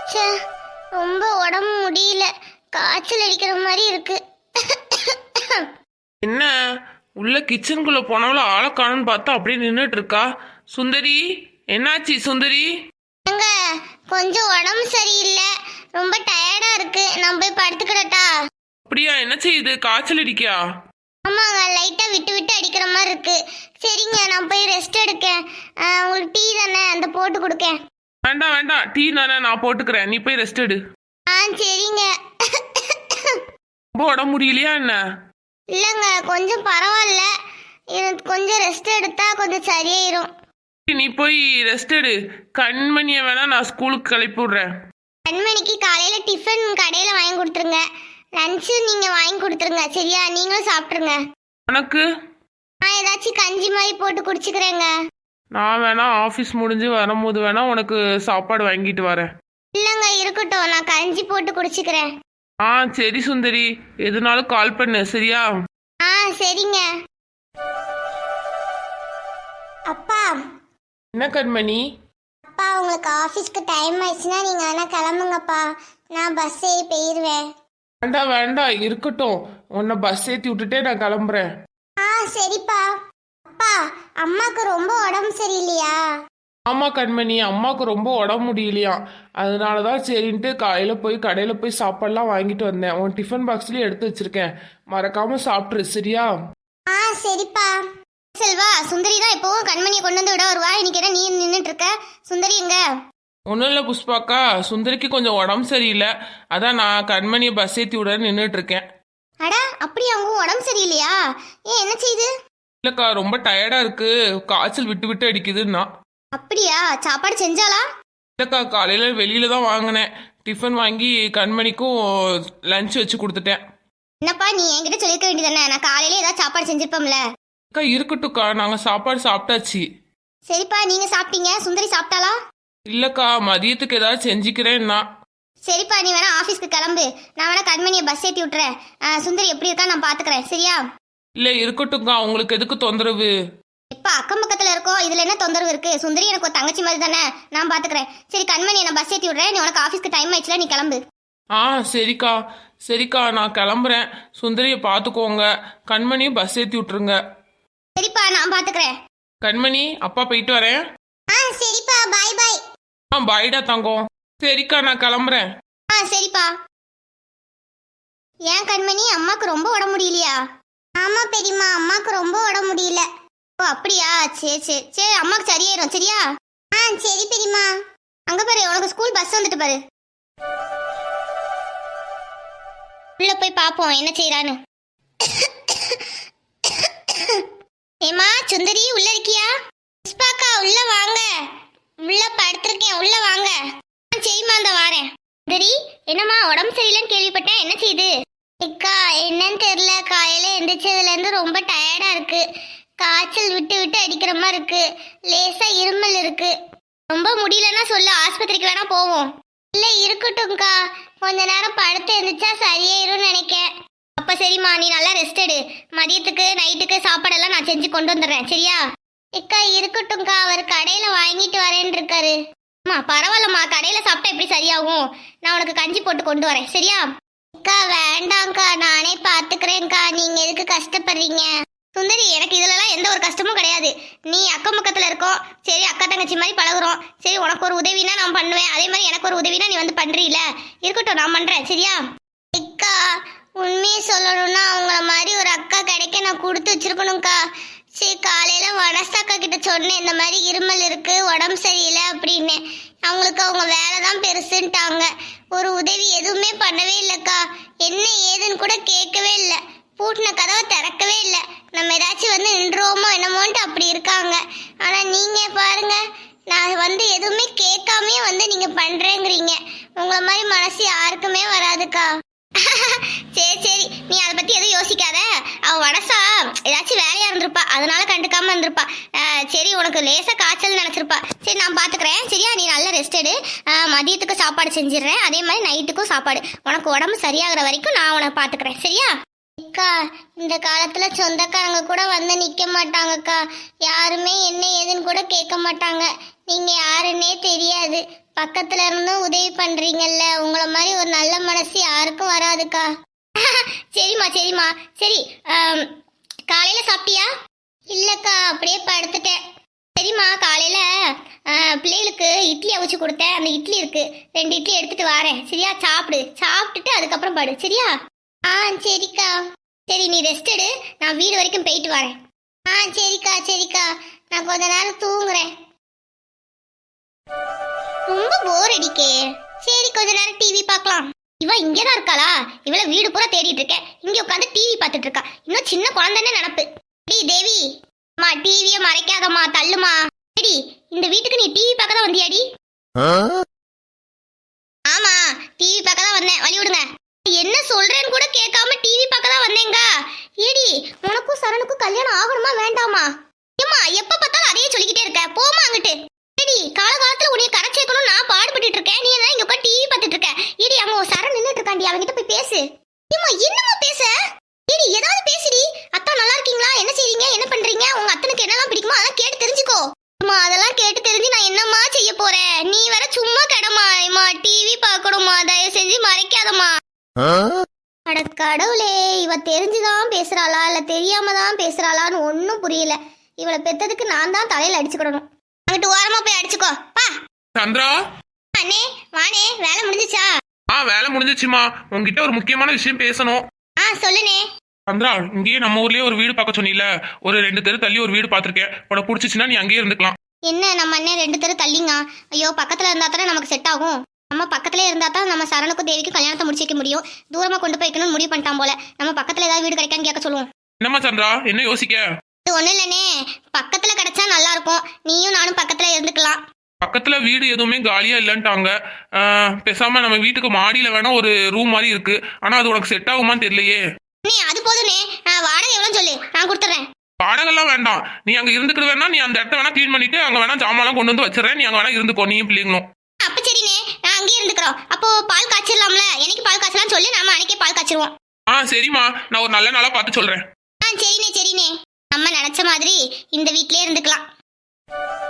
ச்சே, ரொம்ப உடம்பு முடியல. காய்ச்சல் அடிக்கிற மாதிரி இருக்கு. என்ன உள்ள கிச்சனுக்குள்ள போனவள ஆளை காணும்னு பார்த்தா அப்படியே நின்றுட்டு இருக்கா. சுந்தரி, என்னாச்சு சுந்தரி? ஏங்க, கொஞ்சம் உடம்பு சரியில்லை, ரொம்ப டயர்டா இருக்கு. நான் போய் படுத்துக்கிடட்டா? அப்படியா, என்ன செய்யுது? காய்ச்சல் அடிக்கியா? ஆமாங்க, லைட்டா விட்டு விட்டு அடிக்கிற மாதிரி இருக்கு. சரிங்க, நான் போய் ரெஸ்ட் எடுக்கேன். உங்களுக்கு டீ தானே, அந்த போட்டு கொடுக்கேன். வேண்டாம் வேண்டாம், டீ தானே நான் போட்டுக்கிறேன், நீ போய் ரெஸ்ட் எடு. சரிங்க. ரொம்ப உடம்பு முடியலையா என்ன? இல்லைங்க, கொஞ்சம் பரவாயில்ல. எனக்கு கொஞ்சம் ரெஸ்ட் எடுத்தா கொஞ்சம் சரியாயிரும். நீ போய் ரெஸ்ட் எடு. கண்மணியை வேணா நான் ஸ்கூலுக்கு கிளப்பி விடுறேன். கண்மணிக்கு காலையில டிஃபன் கடையில வாங்கி கொடுத்துருங்க. லஞ்சு நீங்க வாங்கி கொடுத்துருங்க, சரியா? நீங்களும் சாப்பிட்ருங்க. உனக்கு? நான் ஏதாச்சும் கஞ்சி மாதிரி போட்டு குடிச்சுக்கிறேங்க. நான் வேணா ஆஃபீஸ் முடிஞ்சு வரும்போது வேணா உனக்கு சாப்பாடு வாங்கிட்டு வரேன். இல்லைங்க, இருக்கட்டும், நான் கஞ்சி போட்டு குடிச்சுக்கிறேன். சரி சுந்தரி, எதுனாலும் கால் பண்ணு, சரியா? சரிங்க. அப்பா. என்ன கண்மணி? அப்பா, உங்களுக்கு ஆஃபீஸ்க்கு டைம் ஆயிடுச்சுன்னா நீங்க வேணா கிளம்புங்கப்பா. நான் பஸ் ஏறி போயிடுவேன். வேண்டாம் வேண்டாம், இருக்கட்டும். உன்னை பஸ் ஏற்றி விட்டுட்டே நான் கிளம்புறேன். சரிப்பா. அப்பா, அம்மாக்கு ரொம்ப உடம்பு சரியில்லையா? ஆமா கண்மணி, அம்மாவுக்கு ரொம்ப உடம்பு முடியலையாம். அதனாலதான் சரின்ட்டு காலையில போய் கடையில போய் சாப்பாடுலாம் வாங்கிட்டு வந்தேன். உன் டிஃபன் பாக்ஸ்லயும் எடுத்து வச்சிருக்கேன், மறக்காம சாப்பிட்ரு, சரியா? சரிப்பா. செல்வா, சுந்தரி தான் எப்பவும் கண்மணியை கொண்டு வந்து விட வருவா. இன்னைக்கு என்ன நீ நின்றுட்டு இருக்க? சுந்தரி எங்க? ஒன்றும் இல்லை புஷ்பாக்கா, சுந்தரிக்கு கொஞ்சம் உடம்பு சரியில்லை, அதான் நான் கண்மணியை பஸ் ஏற்றி விட நின்றுட்டு இருக்கேன். அட, அப்படியே அவங்க உடம்பு சரியில்லையா? ஏன், என்ன செய்யுது? இல்லக்கா, ரொம்ப டயர்டா இருக்கு, காய்ச்சல் விட்டு விட்டு அடிக்குதுன்னா. அப்படியா? சாப்பாடு செஞ்சாளா? இல்லக்கா, காலையில வெளியில தான் வாங்கினேன். டிஃபன் வாங்கி கண்மணிக்கும் லஞ்ச் வச்சு கொடுத்துட்டேன். என்னப்பா, நீ என்கிட்ட சொல்லிருக்க வேண்டியதானே? நான் காலையில ஏதாவது சாப்பாடு செஞ்சிருப்போம்ல. அக்கா இருக்கட்டும்க்கா, நாங்கள் சாப்பாடு சாப்பிட்டாச்சு. சரிப்பா, நீங்க சாப்பிட்டீங்க. சுந்தரி சாப்பிட்டாளா? இல்லக்கா, மதியத்துக்கு ஏதாவது செஞ்சுக்கிறேன்னா. சரிப்பா, நீ வேணா ஆஃபீஸ்க்கு கிளம்பு. நான் வேணா கண்மணியை பஸ் ஏற்றி விட்டுறேன். சுந்தரி எப்படி இருக்கா நான் பாத்துக்கிறேன், சரியா? இல்லை இருக்கட்டும்க்கா, உங்களுக்கு எதுக்கு தொந்தரவு? இப்ப அக்கம் பக்கத்துல இருக்கோம், இதுல என்ன தொந்தரவு இருக்கு? சுந்தரி எனக்கு ஒரு தங்கச்சி மாதிரி தானே, நான் பாத்துக்கிறேன். சரி கண்மணி, நான் பஸ் ஏற்றி விடுறேன். நீ உனக்கு ஆஃபீஸ்க்கு டைம் ஆயிடுச்சுல, நீ கிளம்பு. சரிக்கா சரிக்கா, நான் கிளம்புறேன். சுந்தரியை பார்த்துக்கோங்க, கண்மணியும் பஸ் ஏற்றி விட்டுருங்க. சரிப்பா, நான் பாத்துக்கிறேன். கண்மணி, அப்பா போயிட்டு வரேன். சரிப்பா, பாய் பாய். பாய்டா தங்கம். சரிக்கா, நான் கிளம்புறேன். சரிப்பா. ஏன் கண்மணி, அம்மாக்கு ரொம்ப உடம்பு முடியலையா? ஆமா பெரியம்மா, அம்மாக்கு ரொம்ப உடம்பு முடியல. ஓ அப்படியா? சரி சரி சரி, அம்மாக்கு சரியாயிரும், சரியா? சரி பெரியம்மா. அங்க பாரு, உனக்கு ஸ்கூல் பஸ் வந்துட்டு பாரு. உள்ள போய் பாப்போம் என்ன செய்யறான்னு. ஏமா சுந்தரி, உள்ள இருக்கியா? புஷ்பாக்கா, உள்ள வாங்க. உள்ள படுத்திருக்கேன், உள்ள வாங்க. சரிம்மா, அந்த வாரேன். சுந்தரி, என்னம்மா உடம்பு சரியில்லைன்னு கேள்விப்பட்டேன், என்ன செய்யுது? அக்கா, என்னன்னு தெரியல, காலையில எந்திரிச்சதுல இருந்து ரொம்ப டயர்டா இருக்கு. காய்ச்சல் விட்டு விட்டு அடிக்கிற மாதிரி இருக்கு. லேசா இருமல் இருக்கு. ரொம்ப முடியலன்னா சொல்லு, ஆஸ்பத்திரிக்கு வேணா போவோம். இல்ல இருக்கட்டும்க்கா, கொஞ்ச நேரம் படுத்து எந்திரிச்சா சரியாயிரும்னு நினைக்கேன். அப்ப சரிம்மா, நீ நல்லா ரெஸ்ட் எடு. மதியத்துக்கு நைட்டுக்கு சாப்பாடெல்லாம் நான் செஞ்சு கொண்டு வந்துடுறேன், சரியா? அக்கா இருக்கட்டும்க்கா, அவர் கடையில வாங்கிட்டு வரேன்னு இருக்காரு. அம்மா பரவாயில்லம்மா, கடையில சாப்பிட்டா எப்படி சரியாகும்? நான் உனக்கு கஞ்சி போட்டு கொண்டு வரேன், சரியா? அக்கா வேண்டாம்க்கா, நானே பாத்துக்கிறேன்க்கா, நீங்க எதுக்கு கஷ்டப்படுறீங்க? சுந்தரி, எனக்கு இதுலலாம் எந்த ஒரு கஷ்டமும் கிடையாது. நீ அக்கம் பக்கத்துல இருக்கோம், சரி அக்கா தங்கச்சி மாதிரி பழகுறோம். சரி, உனக்கு ஒரு உதவினா நான் பண்ணுவேன், அதே மாதிரி எனக்கு ஒரு உதவினா நீ வந்து பண்றீல. இருக்கட்டும், நான் பண்றேன், சரியா? அக்கா, உண்மையை சொல்லணும்னா அவங்கள மாதிரி ஒரு அக்கா கிடைக்க நான் கொடுத்து வச்சிருக்கணும்க்கா. சரி, காலையில வனசாக்கா கிட்ட சொன்னேன், இந்த மாதிரி இருமல் இருக்கு, உடம்பு சரியில்லை அப்படின்னு. அவங்களுக்கு அவங்க வேலை தான் பெருசுன்ட்டாங்க. ஒரு உதவி எதுவுமே பண்ணவே இல்லைக்கா. என்ன ஏதுன்னு கூட கேட்கவே இல்லை. பூட்டின கதவை திறக்கவே இல்லை. நம்ம ஏதாச்சும் வந்து நின்றோமோ என்னமோன்ட்டு அப்படி இருக்காங்க. ஆனா நீங்க பாருங்க, நான் வந்து எதுவுமே கேட்காமே வந்து நீங்க பண்றேங்கிறீங்க. உங்களை மாதிரி மனசு யாருக்குமே வராதுக்கா. சரி சரி, நீ அதை பத்தி எதுவும் யோசிக்காத. அவ வனசா ஏதாச்சும் வேலையா இருந்திருப்பா, அதனால கண்டுக்காம இருந்திருப்பா. சரி, உனக்கு லேசா காய்ச்சல் நினைச்சிருப்பா. சரி, நான் பாத்துக்கிறேன், சரியா? நீ நல்லா ரெஸ்ட் எடு. மதியத்துக்கு சாப்பாடு செஞ்சிடுறேன், அதே மாதிரி நைட்டுக்கும் சாப்பாடு. உனக்கு உடம்பு சரியாகிற வரைக்கும் நான் உனக்கு பாத்துக்கிறேன், சரியா? அக்கா, இந்த காலத்துல சொந்தக்காரங்க கூட வந்து நிக்க மாட்டாங்கக்கா. யாருமே என்ன ஏதுன்னு கூட கேட்க மாட்டாங்க. நீங்க யாருன்னே தெரியாது. பக்கத்துல இருந்தும் உதவி பண்றீங்கல்ல, உங்களை மாதிரி ஒரு நல்ல மனசு யாருக்கும் வராதுக்கா. சரிம்மா சரிம்மா. சரி, காலையில சாப்பிட்டியா? இல்லக்கா, அப்படியே படுத்துட்டேன். சரிம்மா, காலையில பிள்ளைகளுக்கு இட்லி அவிச்சு கொடுத்தேன். அந்த இட்லி இருக்கு, 2 இட்லி எடுத்துட்டு வரேன். சரியா? சாப்பிட்டுட்டு அதுக்கப்புறம் படு. சரியா? ஆ சரிக்கா. சரி, நீ ரெஸ்ட் எடு, நான் வீடு வரைக்கும் போயிட்டு வரேன். ஆ சரிக்கா சரிக்கா, நான் கொஞ்ச நேரம் தூங்குறேன். ரொம்ப போர் அடிக்கே. சரி, கொஞ்ச நேரம் டிவி பார்க்கலாம். இவ இங்கதான் இருக்காளா? இவள வீடு பூரா தேடிட்டு இருக்கேன், இங்க உட்காந்து டிவி பார்த்துட்டு இருக்கா. இன்னும் சின்ன குழந்தைன்னு நினப்பு. டி தேவி, அம்மா டிவியை மறைக்காதம்மா, தள்ளுமா. சரி, இந்த வீட்டுக்கு நீ டிவி பார்க்க தான் வந்தியாடி? ஆமா, டிவி பார்க்க தான் வந்தேன், வழி விடுங்க. என்ன சொல்றேன்னு கூட கேட்காம டிவி பார்க்க தான் வந்தேங்க. ஏடி, உனக்கும் சரணுக்கும் கல்யாணம் ஆகணுமா வேண்டாமா? ஏம்மா, எப்ப பார்த்தாலும் அதையே சொல்லிக்கிட்டே இருக்க, போமா அங்கிட்டு. ஏடி, காலகாலத்துல உன்னைய கரை சேர்க்கணும் நான் பாடுபட்டு இருக்கேன், நீ என்ன இங்க உட்காந்து டிவி பார்த்துட்டு இருக்க? ஏடி, அங்க ஒரு சரண் நின்னுட்டு இருக்காண்டி, அவங்கிட்ட போய் பேசு. ஏம்மா, என்னம்மா பேச? ஏடி, ஏதாவது பேசுடி. அத்தா நல்லா இருக்கீங்களா? என்ன செய்றீங்க? என்ன பண்றீங்க? உங்க அத்தனுக்கு என்னெல்லாம் பிடிக்குமோ அதெல்லாம் கேட்டு தெரிஞ்சுக்கோ. அம்மா, அதெல்லாம் கேட்டு தெரிஞ்சு நான் என்னம்மா செய்ய போறேன்? நீ வேற சும்மா கடமா. அம்மா, டிவி பார்க்கணுமா, தயவு செஞ்சு மறைக்காதம்மா. அட கடவுளே, இவ தெரிஞ்சுதான் பேசுறாளா இல்ல தெரியாம தான் பேசுறாளான்னு ஒன்னும் புரியல. இவளை பெத்ததுக்கு நான் தான் தலையில அடிச்சுக்கிடணும். அங்கிட்டு ஓரமா போய் அடிச்சுக்கோ பா. சந்திரா, அண்ணே வானே, வேலை முடிஞ்சுச்சா? வேலை முடிஞ்சிச்சுமா. உங்ககிட்ட ஒரு முக்கியமான விஷயம் பேசணும். சொல்லுனே. சந்திரா, இங்கேயே நம்ம ஊர்லயே ஒரு வீடு பார்க்க சொன்னீல, ஒரு 2 தெரு தள்ளி ஒரு வீடு பார்த்திருக்கேன். உனக்கு பிடிச்சிச்சுன்னா நீ அங்கேயே இருந்துக்கலாம். என்ன, நம்ம அண்ணன் 2 தெரு தள்ளிங்க? ஐயோ, பக்கத்துல இருந்தா தானே நமக்கு செட் ஆகும். நம்ம பக்கத்துல இருந்தா தான் நம்ம சரணுக்கும் தேவிக்கும் கல்யாணத்தை முடிச்சு வைக்க முடியும். தூரமா கொண்டு போய் வைக்கணும்னு முடிவு பண்ணிட்டான் போல. நம்ம பக்கத்துல ஏதாவது வீடு கிடைக்கான்னு கேட்க சொல்லுவோம். என்னம்மா சந்திரா, என்ன யோசிக்க? இது ஒண்ணு இல்லனே, பக்கத்துல கிடைச்சா நல்லா இருக்கும். நீயும் நானும் பக்கத்துல இருந்துக்கலாம். பக்கத்துல வீடு எதுவுமே காலியா இல்லன்ட்டாங்க. பேசாம நம்ம வீட்டுக்கு மாடியில வேணா ஒரு ரூம் மாதிரி இருக்கு. ஆனா அது உனக்கு செட் ஆகுமான்னு தெரியலையே. நீ அது போதுனே, வாடகை எவ்வளவு சொல்லு, நான் கொடுத்துறேன். வாடகைலாம் வேண்டாம், நீ அங்க இருந்துக்கிட்டு வேணா, நீ அந்த இடத்த வேணா கிளீன் பண்ணிட்டு அங்க வேணா ஜாமான்லாம் கொண்டு வந்து வச்சிடறேன். நீ அங்க வேணா இருந்துக்கோ, நீயும் பிள்ளைங்களும். அப்ப சரினே, நான் அங்கேயே இருந்துக்கிறோம். அப்போ பால் காய்ச்சிடலாம்ல? எனக்கு பால் காய்ச்சலாம் சொல்லு, நாம அன்னைக்கே பால் காய்ச்சிருவோம். சரிம்மா, நான் ஒரு நல்ல நாளா பார்த்து சொல்றேன். சரினே சரினே, நம்ம நினைச்ச மாதிரி இந்த வீட்லயே இருந்துக்கலாம்.